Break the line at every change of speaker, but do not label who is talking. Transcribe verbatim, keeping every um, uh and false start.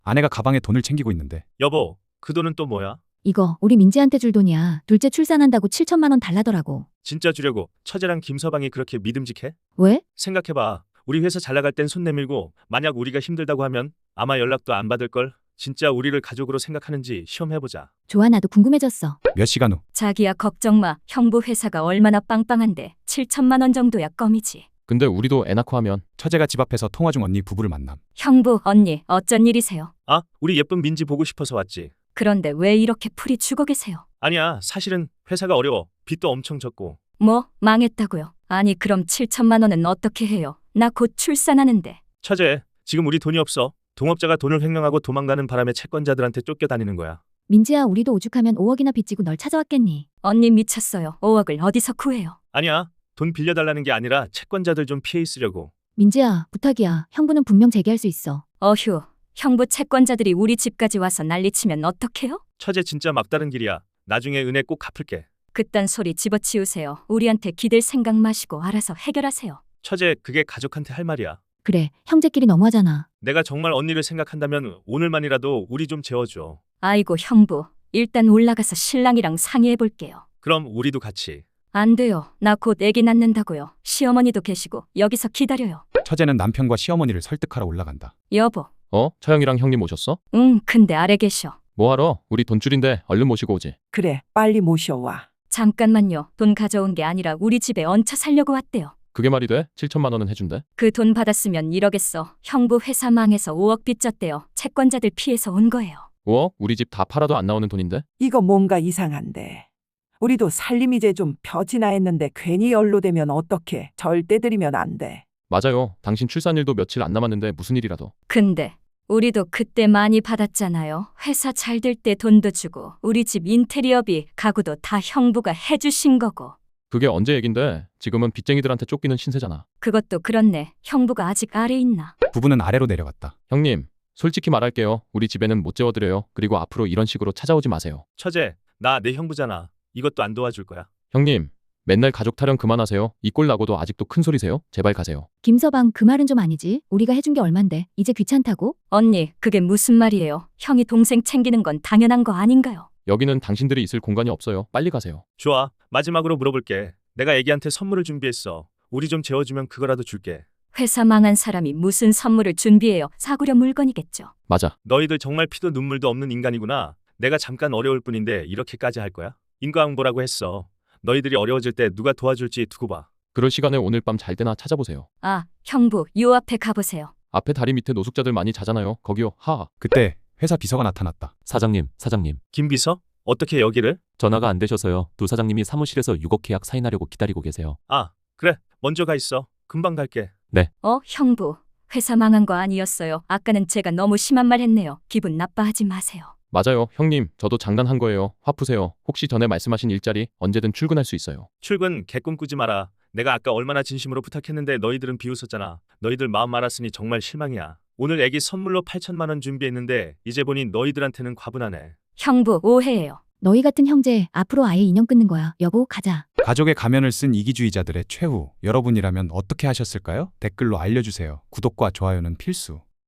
아내가 가방에 돈을 챙기고 있는데.
여보, 그 돈은 또 뭐야?
이거 우리 민지한테 줄 돈이야. 둘째 출산한다고 칠천만 원 달라더라고.
진짜 주려고 처제랑 김서방이 그렇게 믿음직해?
왜?
생각해봐. 우리 회사 잘 나갈 땐 손 내밀고 만약 우리가 힘들다고 하면 아마 연락도 안 받을걸? 진짜 우리를 가족으로 생각하는지 시험해보자.
좋아, 나도 궁금해졌어.
몇 시간 후.
자기야 걱정 마. 형부 회사가 얼마나 빵빵한데 칠천만 원 정도야 껌이지.
근데 우리도 애 낳고 하면.
처제가 집 앞에서 통화 중 언니 부부를 만남.
형부, 언니 어쩐 일이세요?
아, 우리 예쁜 민지 보고 싶어서 왔지.
그런데 왜 이렇게 풀이 죽어 계세요?
아니야, 사실은 회사가 어려워. 빚도 엄청 졌고.
뭐 망했다고요? 아니 그럼 칠천만 원은 어떻게 해요? 나 곧 출산하는데.
처제, 지금 우리 돈이 없어. 동업자가 돈을 횡령하고 도망가는 바람에 채권자들한테 쫓겨다니는 거야.
민지야, 우리도 오죽하면 오억이나 빚지고 널 찾아왔겠니?
언니 미쳤어요. 오억을 어디서 구해요?
아니야, 돈 빌려달라는 게 아니라 채권자들 좀 피해 있으려고.
민지야, 부탁이야. 형부는 분명 재개할 수 있어.
어휴, 형부 채권자들이 우리 집까지 와서 난리치면 어떡해요?
처제 진짜 막다른 길이야. 나중에 은혜 꼭 갚을게.
그딴 소리 집어치우세요. 우리한테 기댈 생각 마시고 알아서 해결하세요.
처제, 그게 가족한테 할 말이야.
그래, 형제끼리 너무하잖아.
내가 정말 언니를 생각한다면 오늘만이라도 우리 좀 재워줘.
아이고 형부, 일단 올라가서 신랑이랑 상의해 볼게요.
그럼 우리도 같이.
안 돼요. 나 곧 애기 낳는다고요. 시어머니도 계시고 여기서 기다려요.
처제는 남편과 시어머니를 설득하러 올라간다.
여보.
어? 처형이랑 형님 오셨어?
응, 근데 아래 계셔.
뭐하러? 우리 돈줄인데 얼른 모시고 오지.
그래, 빨리 모셔와.
잠깐만요. 돈 가져온 게 아니라 우리 집에 얹혀 살려고 왔대요.
그게 말이 돼? 칠천만 원은 해준대.
그 돈 받았으면 이러겠어. 형부 회사 망해서 오억 빚졌대요. 채권자들 피해서 온 거예요.
오억? 우리 집 다 팔아도 안 나오는 돈인데?
이거 뭔가 이상한데. 우리도 살림 이제 좀 펴지나 했는데 괜히 연루되면 어떡해. 절대 들이면 안 돼.
맞아요. 당신 출산일도 며칠 안 남았는데 무슨 일이라도.
근데 우리도 그때 많이 받았잖아요. 회사 잘 될 때 돈도 주고 우리 집 인테리어비, 가구도 다 형부가 해주신 거고.
그게 언제 얘긴데? 지금은 빚쟁이들한테 쫓기는 신세잖아.
그것도 그렇네. 형부가 아직 아래 있나?
부부는 아래로 내려갔다.
형님, 솔직히 말할게요. 우리 집에는 못 재워드려요. 그리고 앞으로 이런 식으로 찾아오지 마세요.
처제, 나 내 형부잖아. 이것도 안 도와줄 거야.
형님, 맨날 가족 타령 그만하세요. 이 꼴 나고도 아직도 큰 소리세요? 제발 가세요.
김서방, 그 말은 좀 아니지. 우리가 해준 게 얼만데 이제 귀찮다고?
언니, 그게 무슨 말이에요? 형이 동생 챙기는 건 당연한 거 아닌가요?
여기는 당신들이 있을 공간이 없어요. 빨리 가세요.
좋아, 마지막으로 물어볼게. 내가 애기한테 선물을 준비했어. 우리 좀 재워주면 그거라도 줄게.
회사 망한 사람이 무슨 선물을 준비해요? 사구려 물건이겠죠.
맞아.
너희들 정말 피도 눈물도 없는 인간이구나. 내가 잠깐 어려울 뿐인데 이렇게까지 할 거야? 인과응보라고 했어. 너희들이 어려워질 때 누가 도와줄지 두고 봐.
그럴 시간에 오늘 밤 잘 때나 찾아보세요.
아, 형부, 요 앞에 가보세요.
앞에 다리 밑에 노숙자들 많이 자잖아요. 거기요. 하.
그때 회사 비서가 나타났다.
사장님, 사장님.
김비서? 어떻게 여기를?
전화가 안 되셔서요. 두 사장님이 사무실에서 육억 계약 사인하려고 기다리고 계세요.
아, 그래. 먼저 가 있어. 금방 갈게.
어, 형부. 회사 망한 거 아니었어요. 아까는 제가 너무 심한 말 했네요. 기분 나빠하지 마세요.
맞아요. 형님, 저도 장난한 거예요. 화 푸세요. 혹시 전에 말씀하신 일자리 언제든 출근할 수 있어요.
출근 개꿈 꾸지 마라. 내가 아까 얼마나 진심으로 부탁했는데 너희들은 비웃었잖아. 너희들 마음 알았으니 정말 실망이야. 오늘 애기 선물로 팔천만 원 준비했는데 이제 보니 너희들한테는 과분하네.
형부, 오해예요.
너희 같은 형제 앞으로 아예 인연 끊는 거야. 여보, 가자.
가족의 가면을 쓴 이기주의자들의 최후. 여러분이라면 어떻게 하셨을까요? 댓글로 알려주세요. 구독과 좋아요는 필수.